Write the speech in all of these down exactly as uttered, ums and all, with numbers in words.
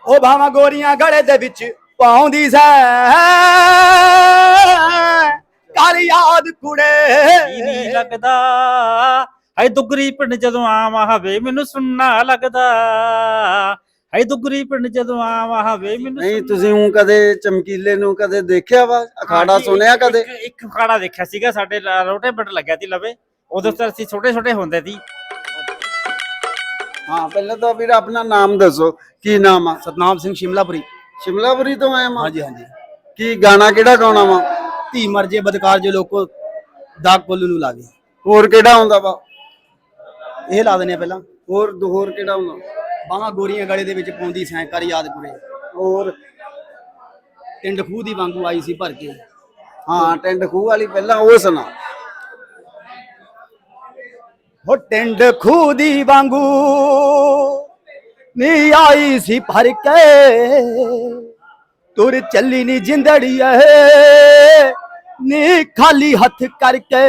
ਉਹ ਭਾਵਾਂ ਗੋਰੀਆਂ ਗਲੇ ਦੇ ਵਿੱਚ ਪਾਉਂਦੀ ਸੈ ਕਰ ਯਾਦ ਕੁੜੇ ਨਹੀਂ ਲੱਗਦਾ ਹਾਏ ਦੁਗਰੀ ਪਿੰਡ ਜਦੋਂ ਆਵਾਂ ਹਵੇ ਮੈਨੂੰ ਸੁਣਨਾ ਲੱਗਦਾ ਹਾਏ ਦੁਗਰੀ ਪਿੰਡ ਜਦੋਂ ਆਵਾਂ ਹਵੇ ਮੈਨੂੰ ਨਹੀਂ ਤੁਸੀਂ ਉਹ ਕਦੇ ਚਮਕੀਲੇ ਨੂੰ ਕਦੇ ਦੇਖਿਆ ਵਾ ਅਖਾੜਾ ਸੁਣਿਆ ਕਦੇ? ਇੱਕ- ਇੱਕ ਅਖਾੜਾ ਦੇਖਿਆ ਸੀਗਾ ਸਾਡੇ ਲ- ਰੋਟੇ ਪਿੰਡ ਲੱਗਿਆ ਸੀ ਲਵੇ ਉਦੋਂ ਤਾਂ ਅਸੀਂ ਛੋਟੇ ਛੋਟੇ ਹੁੰਦੇ ਸੀ। ਹਾਂ ਪਹਿਲਾਂ ਤਾਂ ਵੀਰ ਆਪਣਾ ਨਾਮ ਦੱਸੋ, ਕੀ ਨਾਮ ਆ? ਸਤਨਾਮ ਸਿੰਘ ਸ਼ਿਮਲਾਪੁਰੀ। ਸ਼ਿਮਲਾਪੁਰੀ ਤੋਂ ਆਇਆ ਮਾਂ? ਹਾਂਜੀ ਹਾਂਜੀ। ਕੀ ਗਾਣਾ ਕਿਹੜਾ ਗਾਉਣਾ ਵਾ? ਧੀ ਮਰ ਜੇ ਬਦਕਾਰ ਜੇ ਲੋਕੋ ਦਾਗ ਕੋਲੂ ਨੂੰ ਲਾਗੇ, ਹੋਰ ਕਿਹੜਾ ਹੁੰਦਾ ਵਾ? ਇਹ ਲਾ ਦਿੰਦੇ ਆ ਪਹਿਲਾਂ। ਹੋਰ ਹੋਰ ਕਿਹੜਾ ਹੁੰਦਾ? ਬਾਹਾਂ ਗੋਰੀਆਂ ਗਲੇ ਦੇ ਵਿੱਚ ਪਾਉਂਦੀ ਸੈਂ ਕਰ ਯਾਦ ਕੁੜੇ, ਹੋਰ ਟਿੰਡ ਖੂਹ ਦੀ ਵਾਂਗੂ ਆਈ ਸੀ ਭਰ ਕੇ। ਹਾਂ ਟਿੰਡ ਖੂਹ ਵਾਲੀ ਪਹਿਲਾਂ ਉਹ ਸੁਣਾ। ਹੋ ਟਿੰਡ ਖੂਹ ਦੀ ਵਾਂਗੂ ਨੀ ਆਈ ਸੀ ਭਰ ਕੇ, ਤੁਰ ਚੱਲੀ ਨੀ ਜਿੰਦੜੀਏ ਨੀ ਖਾਲੀ ਹੱਥ ਕਰਕੇ।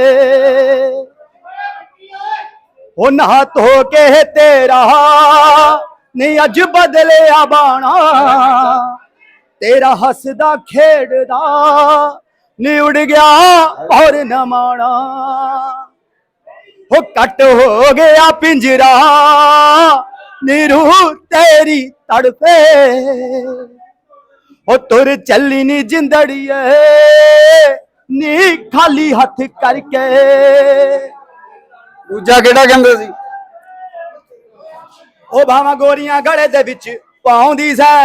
ਉਹ ਨਾ ਧੋ ਕੇ ਤੇਰਾ ਨੀ ਅੱਜ ਬਦਲਿਆ ਬਾਣਾ, ਤੇਰਾ ਹੱਸਦਾ ਖੇਡਦਾ ਨੀ ਉੜ ਗਿਆ ਔਰ ਨਾ ਮਾਣਾ। ਉਹ ਕੱਟ ਹੋ ਗਿਆ ਪਿੰਜਰਾ ਨੀ ਰੂਹ ਤੇਰੀ ਤੜਪੇ, ਉਹ ਤੁਰ ਚੱਲੀ ਨੀ ਜਿੰਦੜੀਏ ਨੀ ਖਾਲੀ ਹੱਥ ਕਰਕੇ। ਦੂਜਾ ਕਿਹੜਾ ਕਹਿੰਦੇ ਸੀ? ਉਹ ਭਾਵਾਂ ਗੋਰੀਆਂ ਗਲੇ ਦੇ ਵਿੱਚ ਪਾਉਂਦੀ ਸੈ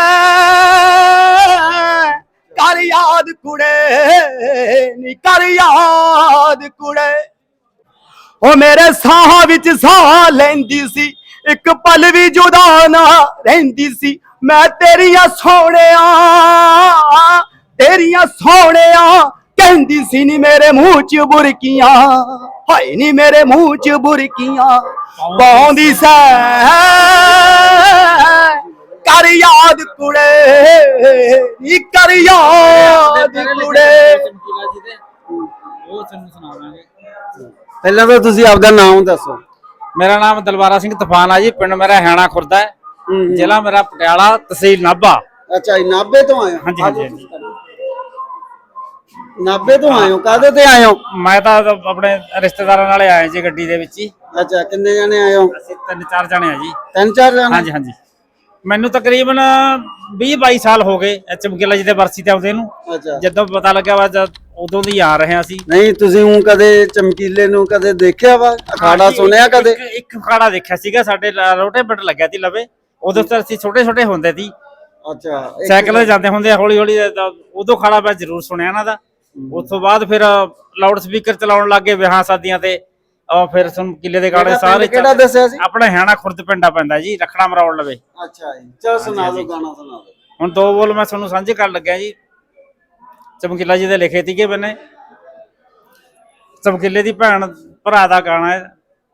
ਕਰ ਯਾਦ ਕੁੜੇ ਨੀ ਕਰ ਯਾਦ ਕੁੜੇ। ਉਹ ਮੇਰੇ ਸਾਹਾਂ ਵਿੱਚ ਸਾਹ ਲੈਂਦੀ ਸੀ, ਇੱਕ ਪਲ ਵੀ ਜੁਦਾ ਨਾ ਰਹਿੰਦੀ ਸੀ। ਮੈਂ ਤੇਰੀਆਂ ਸੋਹਣਿਆ ਤੇਰੀਆਂ ਸੋਹਣਿਆ ਕਹਿੰਦੀ ਸੀ ਨੀ ਮੇਰੇ ਮੂੰਹ ਚ ਬੁਰਕੀਆਂ, ਹਾਏ ਨੀ ਮੇਰੇ ਮੂੰਹ ਚ ਬੁਰਕੀਆਂ ਪਾਉਂਦੀ ਸੈ ਕਰ ਯਾਦ ਕੁੜੇ ਨੀ ਕਰ ਯਾਦ ਕੁੜੇ। ਉਹ ਤੁਹਾਨੂੰ ਸੁਣਾਵਾਂਗੇ। ਪਹਿਲਾਂ ਤਾਂ ਤੁਸੀਂ ਆਪਦਾ ਨਾਮ ਦੱਸੋ। ਮੇਰਾ ਨਾਮ ਦਲਬਾਰਾ ਸਿੰਘ ਤੂਫਾਨ ਆ ਜੀ, ਪਿੰਡ ਮੇਰਾ ਹੈਣਾ ਖੁਰਦਾ ਹੈ, ਜ਼ਿਲ੍ਹਾ ਮੇਰਾ ਪਟਿਆਲਾ, ਤਹਿਸੀਲ ਨਾਭਾ। ਅੱਛਾ ਜੀ ਨਾਭੇ ਤੋਂ ਆਏ ਹੋ? ਹਾਂਜੀ ਹਾਂਜੀ ਹਾਂਜੀ। ਨਾਭੇ ਤੋਂ ਆਏ ਹੋ, ਕਾਹਦੇ ਤੇ ਆਏ ਹੋ? ਮੈਂ ਤਾਂ ਆਪਣੇ ਰਿਸ਼ਤੇਦਾਰਾਂ ਨਾਲ ਆਏ ਜੀ ਗੱਡੀ ਦੇ ਵਿੱਚ ਹੀ। ਅੱਛਾ ਕਿੰਨੇ ਜਣੇ ਆਏ ਹੋ? ਅਸੀਂ ਤਿੰਨ ਚਾਰ ਜਣੇ ਆ ਜੀ। ਤਿੰਨ ਚਾਰ ਜਣੇ? ਹਾਂਜੀ ਹਾਂਜੀ। ਮੈਨੂੰ ਤਕਰੀਬਨ ਵੀਹ ਬਾਈ ਸਾਲ ਹੋ ਗਏ ਚਮਕੀਲਾ ਜੀ ਦੇ ਵਰਸੀ ਤੇ ਆਉਂਦੇ ਨੂੰ। ਅੱਛਾ ਜਦੋਂ ਪਤਾ ਲੱਗਿਆ ਵਾ ਜਦ ਉਦੋਂ ਦੀ ਆ ਰਹੇ ਹਾਂ ਅਸੀਂ। ਨਹੀਂ ਤੁਸੀਂ ਉਹ ਕਦੇ ਚਮਕੀਲੇ ਨੂੰ ਕਦੇ ਦੇਖਿਆ ਵਾ ਅਖਾੜਾ ਸੁਣਿਆ ਕਦੇ? ਇੱਕ- ਇੱਕ ਅਖਾੜਾ ਦੇਖਿਆ ਸੀਗਾ ਸਾਡੇ ਲ- ਰੋਟੇ ਪਿੰਡ ਲੱਗਿਆ ਸੀ ਲਵੇ ਉਦੋਂ ਤਾਂ ਅਸੀਂ ਛੋਟੇ ਛੋਟੇ ਹੁੰਦੇ ਸੀ। ਅੱਛਾ ਸਾਈਕਲ ਤੇ ਜਾਂਦੇ ਹੁੰਦੇ ਹੌਲੀ ਹੌਲੀ, ਉਦੋਂ ਅਖਾੜਾ ਮੈਂ ਜ਼ਰੂਰ ਸੁਣਿਆ ਇਹਨਾਂ ਦਾ। ਉਸ ਤੋਂ ਬਾਅਦ ਫਿਰ ਲਾਊਡ ਸਪੀਕਰ ਚਲਾਉਣ ਲੱਗੇ ਵਿਆਹਾਂ ਸ਼ਾਦੀਆਂ ਤੇ, ਔਰ ਫਿਰ ਚਮਕੀਲੇ ਦੇ ਗਾਣੇ ਸਾਰੇ। ਕਿਹੜਾ ਦੱਸਿਆ ਸੀ? ਆਪਣਾ ਹੈਣਾ ਖੁਰਦ ਪਿੰਡਾ ਪੈਂਦਾ ਜੀ, ਰਖੜਾ ਮਰੌੜ ਲਵੇ। ਅੱਛਾ ਜੀ ਚਲ ਸੁਣਾ ਦਿਓ, ਗਾਣਾ ਸੁਣਾ ਦਿਓ। ਹੁਣ ਦੋ ਬੋਲ ਮੈਂ ਤੁਹਾਨੂੰ ਸਾਂਝੇ ਕਰਨ ਲੱਗਿਆ ਜੀ। ਚਮਕੀਲਾ ਜੀ ਦੇ ਲਿਖੇ ਸੀਗੇ ਮੈਨੇ। ਚਮਕੀਲੇ ਦੀ ਭੈਣ ਭਰਾ ਦਾ ਗਾਣਾ ਹੈ।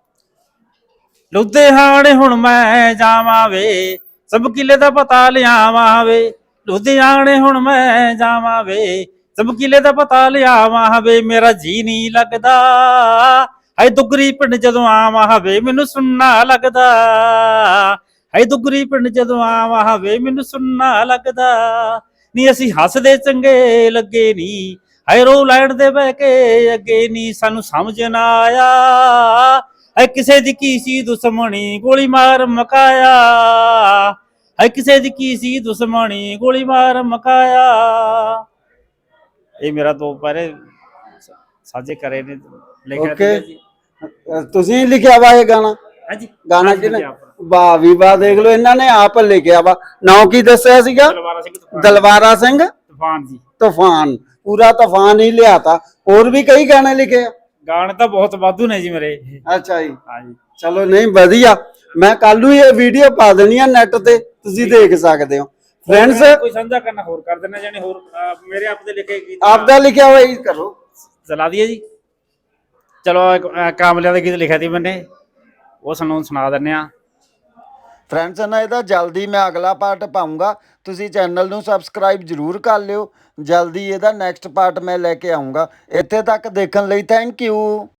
ਲੁਧਿਆਣੇ ਹੁਣ ਮੈਂ ਜਾਵਾਂ ਵੇ, ਚਮਕੀਲੇ ਦਾ ਪਤਾ ਲਿਆਵਾਂ ਵੇ। ਲੁਧਿਆਣੇ ਹੁਣ ਮੈਂ ਜਾਵਾਂ ਵੇ, ਚਮਕੀਲੇ ਦਾ ਪਤਾ ਲਿਆਵਾਂ ਵੇ। ਮੇਰਾ ਜੀ ਨਹੀਂ ਲੱਗਦਾ ਹਾਏ ਦੁਗਰੀ ਪਿੰਡ ਜਦੋਂ ਆਵਾਂ ਵੇ ਮੈਨੂੰ ਸੁਣਨਾ ਲੱਗਦਾ। ਹਾਏ ਦੁਗਰੀ ਪਿੰਡ ਜਦੋਂ ਆਵਾਂ ਵੇ ਮੈਨੂੰ ਸੁਣਨਾ ਲੱਗਦਾ। ਨੀ ਅਸੀਂ ਹੱਸਦੇ ਚੰਗੇ ਲੱਗੇ ਨੀ, ਹਾਏ ਰੋ ਲੈਣ ਦੇ ਬਹਿ ਕੇ ਅੱਗੇ ਨੀ ਸਾਨੂੰ ਸਮਝ ਨਾ ਆਇਆ। ਹਾਏ ਕਿਸੇ ਦੀ ਕੀ ਸੀ ਦੁਸ਼ਮਣੀ ਗੋਲੀ ਮਾਰ ਮਕਾਇਆ। ਹਾਏ ਕਿਸੇ ਦੀ ਕੀ ਸੀ ਦੁਸ਼ਮਣੀ ਗੋਲੀ ਮਾਰ ਮਕਾਇਆ। ਇਹ ਮੇਰਾ ਦੋ ਪੈਰੇ ਸਾਜੇ ਕਰੇ ਨੇ ਲਿਖਿਆ ਓਕੇ ਜੀ। ਤੁਸੀਂ ਲਿਖਿਆ ਵਾ ਇਹ ਗਾਣਾ? ਹਾਂਜੀ ਗਾਣਾ ਹਾਂਜੀ, ਕਿਹਨੇ? ਆਪਣਾ। ਵਾਹ ਵੀ ਵਾਹ, ਦੇਖ ਲਓ ਇਹਨਾਂ ਨੇ ਆਪ ਲਿਖਿਆ ਵਾ। ਨਾਮ ਕੀ ਦੱਸਿਆ ਸੀਗਾ? ਦਲਬਾਰਾ ਸਿੰਘ ਤੂਫਾਨ। ਦਲਬਾਰਾ ਸਿੰਘ ਤੂਫਾਨ ਜੀ। ਤੂਫਾਨ, ਪੂਰਾ ਤੂਫਾਨ ਹੀ ਲਿਆਤਾ। ਹੋਰ ਵੀ ਕਈ ਗਾਣੇ ਲਿਖੇ ਆ? ਗਾਣੇ ਤਾਂ ਬਹੁਤ ਵਾਧੂ ਨੇ ਜੀ ਮੇਰੇ। ਅੱਛਾ ਜੀ ਹਾਂਜੀ ਚਲੋ ਨਹੀਂ ਵਧੀਆ। ਮੈਂ ਕੱਲ ਨੂੰ ਇਹ ਵੀਡੀਓ ਪਾ ਦੇਣੀ ਆ ਨੈਟ ਤੇ, ਤੁਸੀਂ ਦੇਖ ਸਕਦੇ ਹੋ। ਫਰੈਂਡਸ ਕੋਈ ਸਾਂਝਾ ਕਰਨਾ ਹੋਰ ਕਰ ਦੇਣਾ ਜਾਨੀ ਹੋਰ ਅਹ, ਮੇਰੇ ਆਪ ਦੇ ਲਿਖੇ ਗੀਤ ਆਪਦਾ ਲਿਖਿਆ ਹੋਇਆ ਹੀ ਕਰੋ। ਚਲਾ ਦਈਏ ਜੀ। ਚਲੋ ਇੱਕ, ਅਹ, ਕਾਮਲਿਆਂ ਦਾ ਗੀਤ ਲਿਖਿਆ ਸੀ ਮੈਨੇ, ਉਹ ਸਾਨੂੰ ਸੁਣਾ ਦਿੰਦੇ ਆ। ਫਰੈਂਡਸ ਨਾ ਇਹਦਾ ਜਲਦੀ ਮੈਂ ਅਗਲਾ ਪਾਰਟ ਪਾਉਂਗਾ, ਤੁਸੀਂ ਚੈਨਲ ਨੂੰ ਸਬਸਕ੍ਰਾਈਬ ਜ਼ਰੂਰ ਕਰ ਲਿਓ। ਜਲਦੀ ਇਹਦਾ ਨੈਕਸਟ ਪਾਰਟ ਮੈਂ ਲੈ ਕੇ ਆਉਂਗਾ। ਇੱਥੇ ਤੱਕ ਦੇਖਣ ਲਈ ਥੈਂਕ ਯੂ।